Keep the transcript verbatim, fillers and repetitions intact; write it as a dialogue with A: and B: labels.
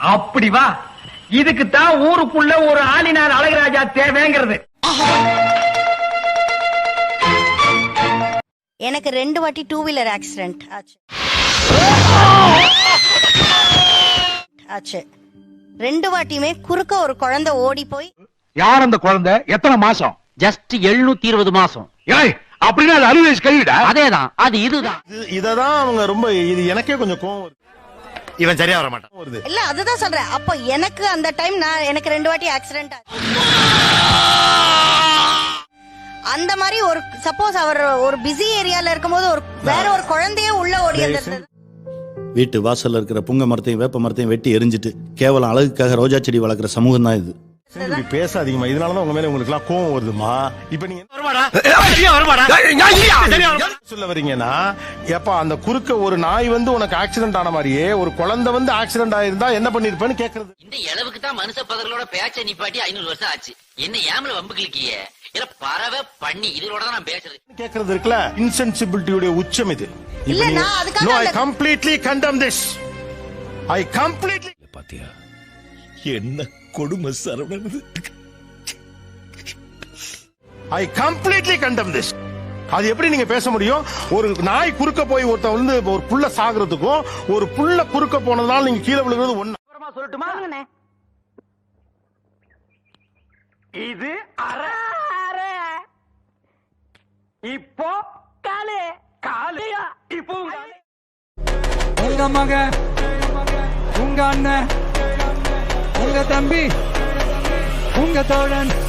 A: அப்படி வா. இதுக்கு தான் ஊருக்குள்ள ஒரு ஆளினார் அழகுராஜா தேவைங்கிறது.
B: எனக்கு ரெண்டு வாட்டி டூ வீலர் ஆக்சிடென்ட் ஆச்சு ஆச்சு ரெண்டு வாட்டியுமே குறுக்க ஒரு குழந்தை ஓடி போய்.
C: யார் அந்த குழந்தை? எத்தனை மாசம்?
D: ஜஸ்ட் எழுநூத்தி இருபது மாசம்.
C: ஏய், அப்படின்னா அது அறுபது வயசு கழிவிடா.
D: அதேதான், அது இதுதான்.
E: இததான் அவங்க ரொம்ப, இது எனக்கே கொஞ்சம் கோவம் வருது.
F: இவன் சரியா வர மாட்டான்
E: வருது.
B: இல்ல அதுதான் சொல்றேன். அப்போ எனக்கு அந்த டைம் நான் எனக்கு ரெண்டு வாட்டி ஆக்சிடென்ட் ஆச்சு. அந்த மாதிரி ஒரு சப்போஸ் அவர் ஒரு பிஸி ஏரியால இருக்கும்போது ஒரு வேற ஒரு குழந்தையே உள்ள ஓடி வந்தது.
G: வீட்டு வாசல்ல இருக்கிற புங்க மரத்தையும் வேப்ப மரத்தையும் வெட்டி எரிஞ்சிட்டு கேவலம் அழகுக்காக ரோஜா செடி வளர்க்குற சமூகம் தான் இது.
E: இப்படி பேசாதீங்கம்மா. இதனாலதான் உங்க மேல உங்களுக்கு எல்லாம் கோவம் வருதுமா. இப்ப நீங்க சொல்ல வரீங்கன்னா, எப்ப அந்த குறுக்க ஒரு நாய் வந்து உனக்கு ஆக்சிடென்ட் ஆன மாதிரியே ஒரு குழந்தை வந்து ஆக்சிடென்ட் ஆயிருந்தா என்ன பண்ணிருப்பேன்னு கேக்குறது.
H: இந்த அளவுக்கு தான் மனுஷ பதர்களோட பேச்ச நிப்பாட்டி ஐநூறு வருஷம் ஆச்சு. என்ன ஏமல வம்பு கிளிக்கிய இல்ல பறவை பண்ணி இதோட தான் நான் பேசுறது
E: கேக்குறது இருக்குல்ல. இன்சென்சிபிலிட்டியோட உச்சம் இது.
B: இல்ல நான் அதுக்காக
E: No, I completely condemn this. I completely.
F: பாத்தியா என்ன கொடுமை Saravanan.
E: I completely condemn this. அது எப்படி நீங்க பேச முடியும்? ஒரு நாய் குறுக்க போய் ஒருத்த வந்து ஒரு புள்ள சாகுறதுக்கும் ஒரு புள்ள குறுக்க போனதால நீங்க கீழே விழுகிறது ஒண்ணு.
A: சொல்லட்டுமா? இது அரை அரை. இப்போ காலே காலையா இப்போ
I: உங்க மக, உங்க அண்ணன், உங்க தம்பி, உங்க தோழன்